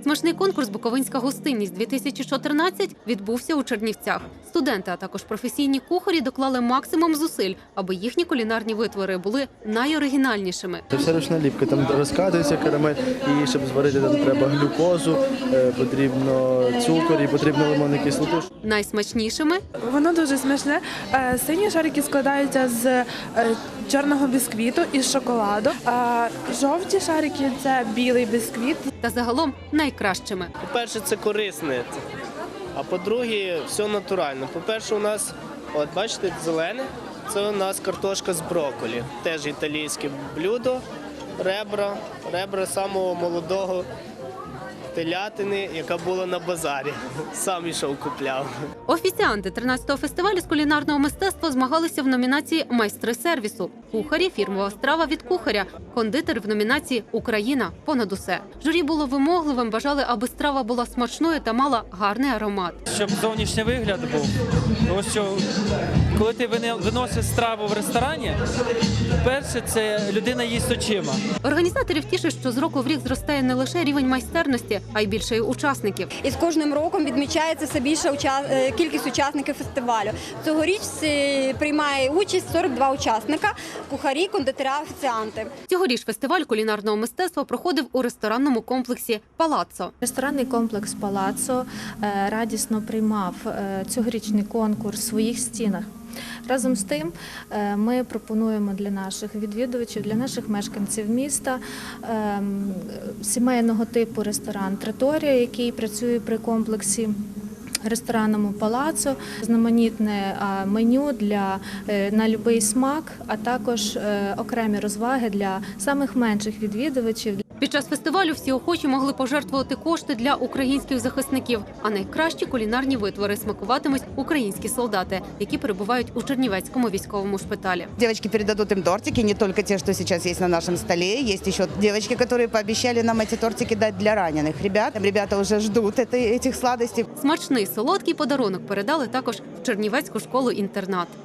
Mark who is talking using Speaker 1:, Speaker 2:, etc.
Speaker 1: Смачний конкурс «Буковинська гостинність-2014» відбувся у Чернівцях. Студенти, а також професійні кухарі доклали максимум зусиль, аби їхні кулінарні витвори були найоригінальнішими.
Speaker 2: Це все ручна ліпка, там розкатується карамель, і щоб зварити, там треба глюкозу, потрібно цукор і потрібно лимонну кислоту.
Speaker 1: Найсмачнішими
Speaker 3: Воно дуже смачне. Сині шарики складаються з чорного бісквіту і шоколаду, а жовті шарики – це білий бісквіт.
Speaker 1: та загалом найкращими.
Speaker 4: По-перше, це корисне, а по-друге, все натурально. По-перше, у нас, от бачите, зелене, це у нас картошка з брокколі. Теж італійське блюдо, ребра самого молодого телятини, яка була на базарі. Сам ішов купляв.
Speaker 1: Офіціанти 13-го фестивалю з кулінарного мистецтва змагалися в номінації «Майстри сервісу». Кухарі – фірмова страва від кухаря, кондитер в номінації «Україна» – понад усе. Журі було вимогливим, бажали, аби страва була смачною та мала гарний аромат.
Speaker 5: Щоб зовнішній вигляд був. Тому що коли ти виносиш страву в ресторані, перше це людина їсть очима.
Speaker 1: Організаторів тішить, що з року в рік зростає не лише рівень майстерності, а й більше й учасників.
Speaker 6: І з кожним роком відмічається все більша кількість учасників фестивалю. Цьогоріч приймає участь 42 учасника – кухарі, кондитери, офіціанти.
Speaker 1: Цьогоріч фестиваль кулінарного мистецтва проходив у ресторанному комплексі «Палаццо».
Speaker 7: Ресторанний комплекс «Палаццо» радісно приймав цьогорічний конкурс в своїх стінах. Разом з тим ми пропонуємо для наших відвідувачів, для наших мешканців міста сімейного типу ресторан «Траторія», який працює при комплексі ресторанному «Палаццо», знаменітне меню на будь-який смак, а також окремі розваги для самих менших відвідувачів.
Speaker 1: Під час фестивалю всі охочі могли пожертвувати кошти для українських захисників, а найкращі кулінарні витвори смакуватимуть українські солдати, які перебувають у Чернівецькому військовому шпиталі.
Speaker 8: Девочки передадут им тортики, не только те, что сейчас есть на нашем столе. Есть еще девочки, которые пообещали нам эти тортики дать для раненых ребят. Ребята уже ждут этих сладостей.
Speaker 1: Смачний солодкий подарунок передали також в Чернівецьку школу-інтернат.